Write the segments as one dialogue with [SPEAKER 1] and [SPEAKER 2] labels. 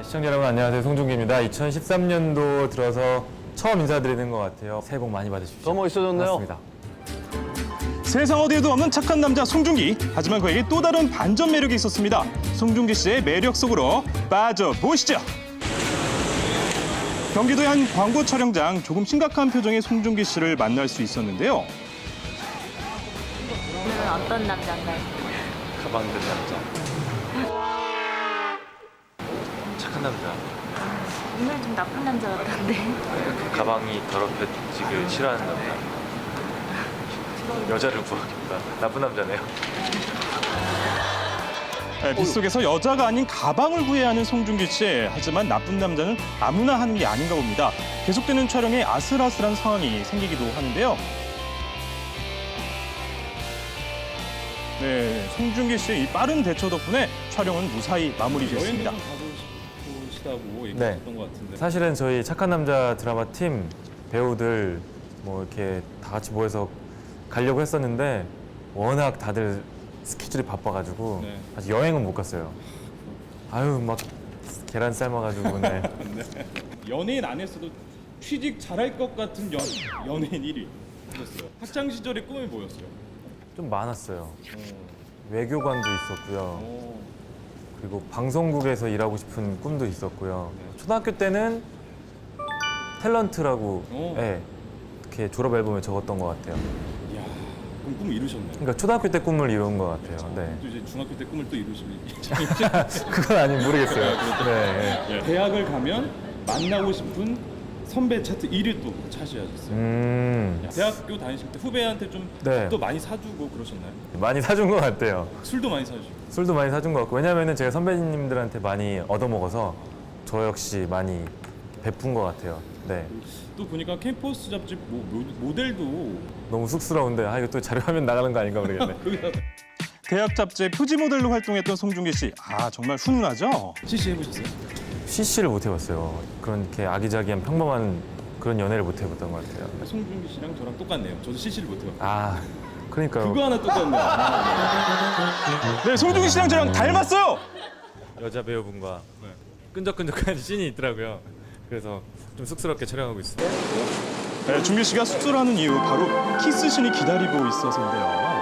[SPEAKER 1] 시청자 여러분 안녕하세요. 송중기입니다. 2013년도 들어서 처음 인사드리는 것 같아요. 새해 복 많이 받으십시오.
[SPEAKER 2] 더 멋있어졌네요.
[SPEAKER 1] 맞습니다.
[SPEAKER 3] 세상 어디에도 없는 착한 남자 송중기. 하지만 그에게 또 다른 반전 매력이 있었습니다. 송중기 씨의 매력 속으로 빠져보시죠. 경기도의 한 광고 촬영장, 조금 심각한 표정의 송중기 씨를 만날 수 있었는데요.
[SPEAKER 4] 오늘은 어떤 남자인가요?
[SPEAKER 5] 가방 든 남자. 착한 남자.
[SPEAKER 4] 오늘 좀 나쁜 남자 같던데.
[SPEAKER 5] 가방이 더럽혀지길 싫어하는 남자. 여자를 구하겠다. 나쁜 남자네요.
[SPEAKER 3] 빗속에서 여자가 아닌 가방을 구해야 하는 송중기 씨. 하지만 나쁜 남자는 아무나 하는 게 아닌가 봅니다. 계속되는 촬영에 아슬아슬한 상황이 생기기도 하는데요. 네, 송중기 씨의 이 빠른 대처 덕분에 촬영은 무사히 마무리됐습니다.
[SPEAKER 6] 싶으시다고
[SPEAKER 1] 네.
[SPEAKER 6] 얘기하셨던 것 같은데.
[SPEAKER 1] 사실은 저희 착한 남자 드라마 팀 배우들 뭐 이렇게 다 같이 모여서 가려고 했었는데 워낙 다들 스케줄이 바빠가지고
[SPEAKER 6] 네.
[SPEAKER 1] 아직 여행은 못 갔어요. 아유 막 계란 삶아가지고 네.
[SPEAKER 6] 연예인 안에서도 취직 잘할 것 같은 연예인 1위 하셨어요. 학창 시절의 꿈이 뭐였어요?
[SPEAKER 1] 좀 많았어요. 외교관도 있었고요.
[SPEAKER 6] 오.
[SPEAKER 1] 그리고 방송국에서 일하고 싶은 꿈도 있었고요. 초등학교 때는 탤런트라고
[SPEAKER 6] 오.
[SPEAKER 1] 예, 이렇게 졸업 앨범에 적었던 것 같아요.
[SPEAKER 6] 이야, 그럼 꿈을 이루셨네요.
[SPEAKER 1] 그러니까 초등학교 때 꿈을 이룬 것 같아요. 네.
[SPEAKER 6] 또 이제 중학교 때 꿈을 또 이루실
[SPEAKER 1] 그건 아니 모르겠어요. 네. 네.
[SPEAKER 6] 대학을 가면 만나고 싶은 선배 차트 1위 또 차지하셨어요. 대학교 다니실 때 후배한테 좀
[SPEAKER 1] 네.
[SPEAKER 6] 또 많이 사주고 그러셨나요?
[SPEAKER 1] 많이 사준 것 같아요.
[SPEAKER 6] 술도 많이 사주시고.
[SPEAKER 1] 술도 많이 사준 것 같고 왜냐면은 제가 선배님들한테 많이 얻어먹어서 저 역시 많이 베푼 것 같아요. 네.
[SPEAKER 6] 또 보니까 캠퍼스 잡지 모델도
[SPEAKER 1] 너무 쑥스러운데 아 이거 또 자료화면 나가는 거 아닌가 모르겠네.
[SPEAKER 6] 거기다
[SPEAKER 3] 대학 잡지의 표지 모델로 활동했던 송중기 씨. 아, 정말 훈훈하죠?
[SPEAKER 6] CC 해보셨어요?
[SPEAKER 1] CC를 못 해봤어요. 그렇게 아기자기한 평범한 그런 연애를 못 해봤던 것 같아요.
[SPEAKER 6] 송중기 씨랑 저랑 똑같네요. 저도 CC를 못 해봤어요.
[SPEAKER 1] 아 그러니까요.
[SPEAKER 6] 그거 하나 똑같네요.
[SPEAKER 3] 네, 송중기 씨랑 저랑 닮았어요!
[SPEAKER 1] 여자 배우분과 끈적끈적한 씬이 있더라고요. 그래서 좀 쑥스럽게 촬영하고 있어요.
[SPEAKER 3] 네, 중기 씨가 쑥스러워하는 이유 바로 키스신이 기다리고 있어서인데요.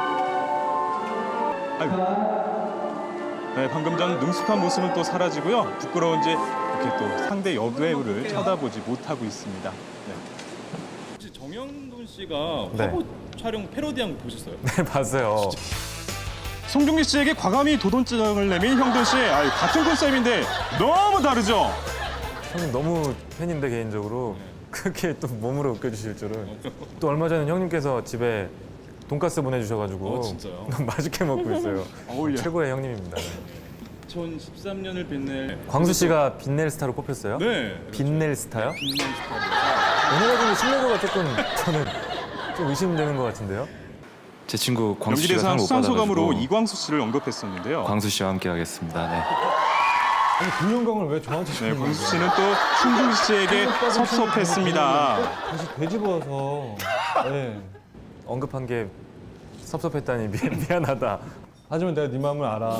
[SPEAKER 3] 아이고. 네, 방금 전 능숙한 모습은 또 사라지고요. 부끄러운지 이렇게 또 상대 여배우를 쳐다보지 못하고 있습니다. 네.
[SPEAKER 6] 혹시 정영돈 씨가
[SPEAKER 1] 네.
[SPEAKER 6] 화보 촬영 패러디한 거 보셨어요?
[SPEAKER 1] 네 봤어요.
[SPEAKER 3] 송중기 씨에게 과감히 도돈증을 내민 형돈 씨. 아유, 같은 컨셉인데 너무 다르죠?
[SPEAKER 1] 형님 너무 팬인데 개인적으로 그렇게 또 몸으로 웃겨주실 줄은. 또 얼마 전에 형님께서 집에 돈가스 보내주셔가지고
[SPEAKER 6] 진짜요?
[SPEAKER 1] 너무 맛있게 먹고 있어요.
[SPEAKER 3] 어울려.
[SPEAKER 1] 최고의 형님입니다.
[SPEAKER 6] 2013년을 빛낼
[SPEAKER 1] 광수 씨가 빛낼 스타로 뽑혔어요?
[SPEAKER 6] 네.
[SPEAKER 1] 빛낼 스타요?
[SPEAKER 6] 빛낼 스타입니다.
[SPEAKER 1] 오늘 같은 신뢰도가 조금 저는 좀 의심되는 것 같은데요?
[SPEAKER 5] 제 친구 광수 씨가
[SPEAKER 3] 연기대상
[SPEAKER 5] 상을 못
[SPEAKER 3] 수상 소감으로
[SPEAKER 5] 받아가지고
[SPEAKER 3] 이광수 씨를 언급했었는데요.
[SPEAKER 5] 광수 씨와 함께 하겠습니다. 네.
[SPEAKER 7] 그 영광을 왜 저한테
[SPEAKER 3] 네,
[SPEAKER 7] 주는
[SPEAKER 3] 광수
[SPEAKER 7] 거예요?
[SPEAKER 3] 씨는 또 송중기 씨에게 섭섭했습니다.
[SPEAKER 7] 다시 되짚어서 네.
[SPEAKER 1] 언급한 게 섭섭했다니 미안하다.
[SPEAKER 7] 하지만 내가 네 마음을 알아.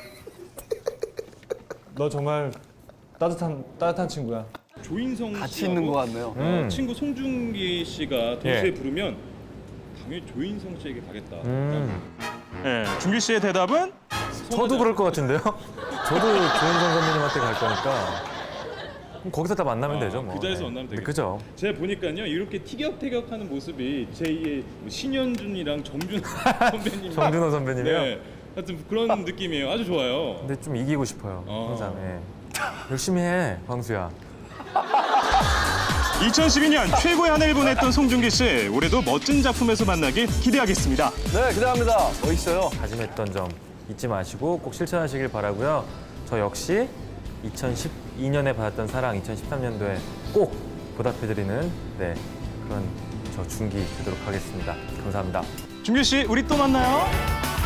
[SPEAKER 7] 너 정말 따뜻한 친구야.
[SPEAKER 6] 조인성
[SPEAKER 2] 같이
[SPEAKER 6] 씨하고
[SPEAKER 2] 있는 것 같네요.
[SPEAKER 6] 친구 송중기 씨가 동시에
[SPEAKER 1] 예.
[SPEAKER 6] 부르면 당연히 조인성 씨에게 가겠다.
[SPEAKER 3] 네, 중기 씨의 대답은
[SPEAKER 1] 저도 그럴 것 같은데요? 저도 조인성 선배님한테 갈 거니까 그럼 거기서 다 만나면 되죠 뭐.
[SPEAKER 6] 그 자리에서
[SPEAKER 1] 네.
[SPEAKER 6] 만나면
[SPEAKER 1] 네,
[SPEAKER 6] 되겠죠.
[SPEAKER 1] 그죠?
[SPEAKER 6] 제가 보니까요 이렇게 티격태격하는 모습이 제2의 신현준이랑 정준하 선배님.
[SPEAKER 1] 정준호 선배님이요?
[SPEAKER 6] 네, 하여튼 그런 느낌이에요. 아주 좋아요.
[SPEAKER 1] 근데 좀 이기고 싶어요 항상.
[SPEAKER 6] 어.
[SPEAKER 1] 예. 열심히 해 광수야.
[SPEAKER 3] 2012년 최고의 한 해를 보냈던 송중기 씨. 올해도 멋진 작품에서 만나길 기대하겠습니다.
[SPEAKER 2] 네, 기대합니다. 멋있어요.
[SPEAKER 1] 다짐했던 점 잊지 마시고 꼭 실천하시길 바라고요. 저 역시 2012년에 받았던 사랑 2013년도에 꼭 보답해드리는 네, 그런 저 중기 되도록 하겠습니다. 감사합니다.
[SPEAKER 3] 중기 씨, 우리 또 만나요.